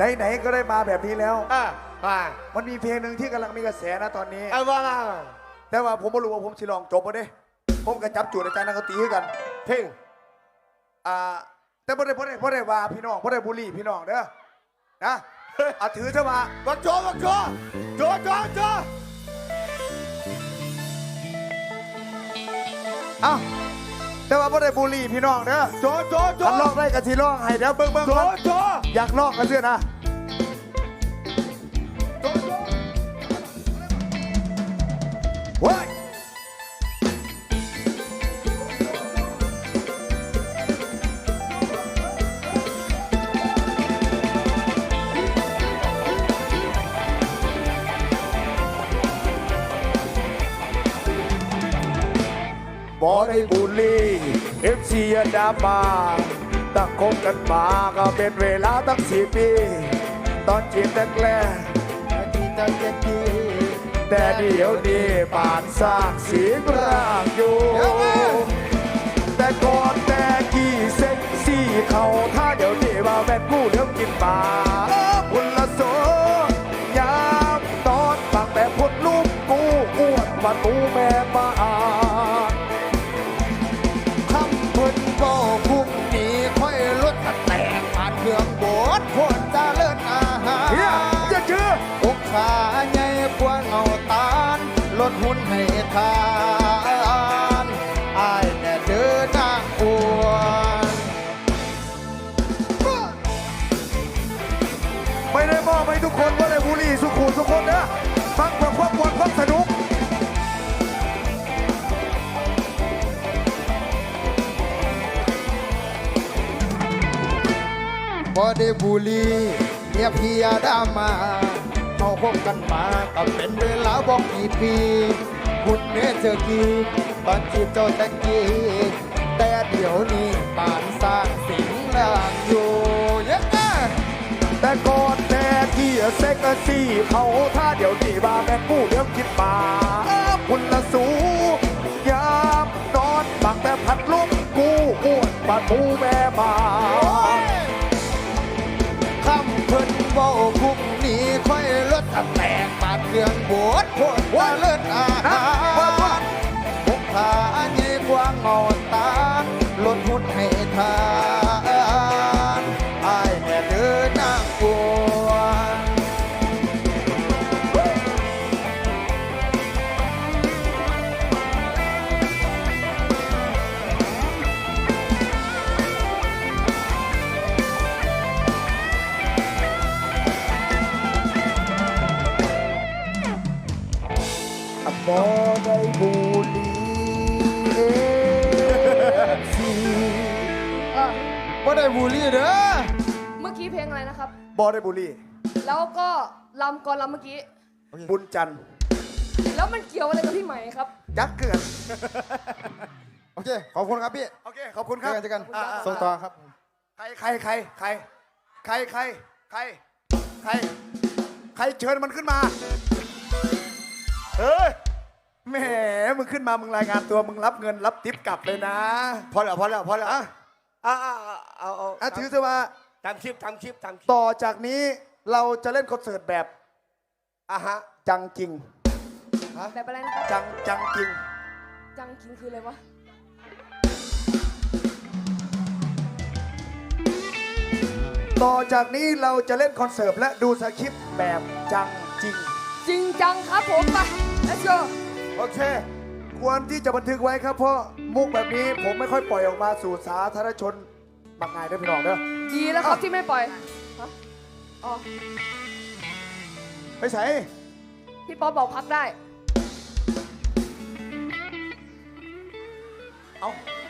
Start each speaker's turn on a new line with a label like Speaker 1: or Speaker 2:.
Speaker 1: ไหนๆก็ได้มาแบบนี้แล้ว
Speaker 2: ว่า
Speaker 1: มันมีเพลงหนึ่งที่กำลังมีกระแสนะตอนนี้
Speaker 2: ว่า
Speaker 1: แต่ว่าผมไม่รู้ว่าผมสิลองจบบ่เด้ผมก็จับจูดอาจารย์นักดนตรีคือกัน
Speaker 2: เพลง
Speaker 1: แต่บ่ได้ว่าพี่น้องบ่ได้บุรีพี่น้องเด้อนะถือซะว่า
Speaker 2: บักโจ
Speaker 1: แต่ว่าบ่ได้บุรีพี่น้องเด้อ
Speaker 2: โจ
Speaker 1: ถ้าลองได้ก็สิลองให้เดี๋ยวเบิ่งก่อน
Speaker 2: โจ
Speaker 1: อยากลองกันเสื้อนะเฮ้ยบอได้บุรีเอฟซีดามาตั้งคบกันมาก็เป็นเวลาตั้ง4 ปี ตอนจีบแรกแต่เดี๋ยวนี้ป่านสร้างเสียงร่างอยู่แต่ก่อนแต่กี่เซ็กซี่เขาถ้าเดี๋ยวนี้ว่าแม่กู้เรื่องกินปลาพุนละโซยามตอนฟังแต่พุดลูกกูอ้วนว่าตูแม่มา
Speaker 3: คำพูดก็พุ่งหนีค่อยลดแตกผ่านเครื่องบดโคตรจะเลิศอาหาร
Speaker 1: เฮียจะชื่อ
Speaker 3: อกขาใหญ่กว่าเงาตาลลดหุ่นให้ทานอายแน่เดินนางอ้วน
Speaker 1: ไม่ได้มอบให้ทุกคนว่าได้บุรีสุขุมทุกคนนะฟังเพื่อความมวลความสนุก
Speaker 3: พอได้บุหรีเนี่ยพี่ยาดามาเขาคบกันมาก็เป็นเวลาบอกกี่ปีคุณเนื้อเจอกี่ตอนจีบเจ้าตะกี้แต่เดี๋ยวนี้ป่านสร้างสิ่งล่างอยู่ยังไง
Speaker 1: แต่ก่อนแต่ที่เซ็กซี่เขาถ้าเดี๋ยวนี้ว่าแม่กู้เรื่องคิดมาคุณละสูยามนอนบังแต่พัดลมกูอ้วนปาตูแม่มา
Speaker 3: คำเพิ่นเว้าคุกนี้ค่อยลดแตกปาดเครื่องบดโคตรว่าเลิศอาหารพกพาใหญ่กว่าเงาตาลลดหุ่นให้ทานอายแน่เดินนางอ้วน
Speaker 1: บอได้บุรีซี
Speaker 3: บ่ได้บูลลี่เด้อ
Speaker 4: เมื่อกี้เพลงอะไรนะครับ
Speaker 1: บอได้บุรี
Speaker 4: แล้วก็ลำก่อนลำเมื่อกี้
Speaker 1: บุญจันทร์
Speaker 4: แล้วมันเกี่ยวอะไรกับพี่ไหมครับ
Speaker 1: ยักษ์เกิด
Speaker 3: โอเค ขอบคุณครับพี่
Speaker 1: โอเคขอบคุณครับ
Speaker 3: เจอกันส่งต่อครับ
Speaker 1: ใครเชิญมันขึ้นมาเฮ้ยแหมมึงขึ้นมามึงรายงานตัวมึงรับเงินรับทิปกลับเลยนะ
Speaker 2: พอแล้ว
Speaker 1: ถือซะว่า
Speaker 2: ทำคลิป
Speaker 1: ต่อจากนี้เราจะเล่นคอนเสิร์ตแบบ
Speaker 2: ฮะ
Speaker 1: จังจริง
Speaker 4: แบบอะไรนะครับ
Speaker 1: จังจริง
Speaker 4: จังคิงคืออะไรวะ
Speaker 1: ต่อจากนี้เราจะเล่นคอนเสิร์ตและดูสคริปต์แบบจังจริง
Speaker 4: จริงจังครับผมไป let's go
Speaker 1: โอเค ควรที่จะบันทึกไว้ครับเพราะมุกแบบนี้ผมไม่ค่อยปล่อยออกมาสู่สาธารณชนบางงานด้วยพี่น้องเด้อ
Speaker 4: ดีแล้วครับที่ไม่ปล่อยฮะอ๋อ
Speaker 1: ไปใส่
Speaker 4: พี่ป๊อปบอกพักได้
Speaker 1: เอา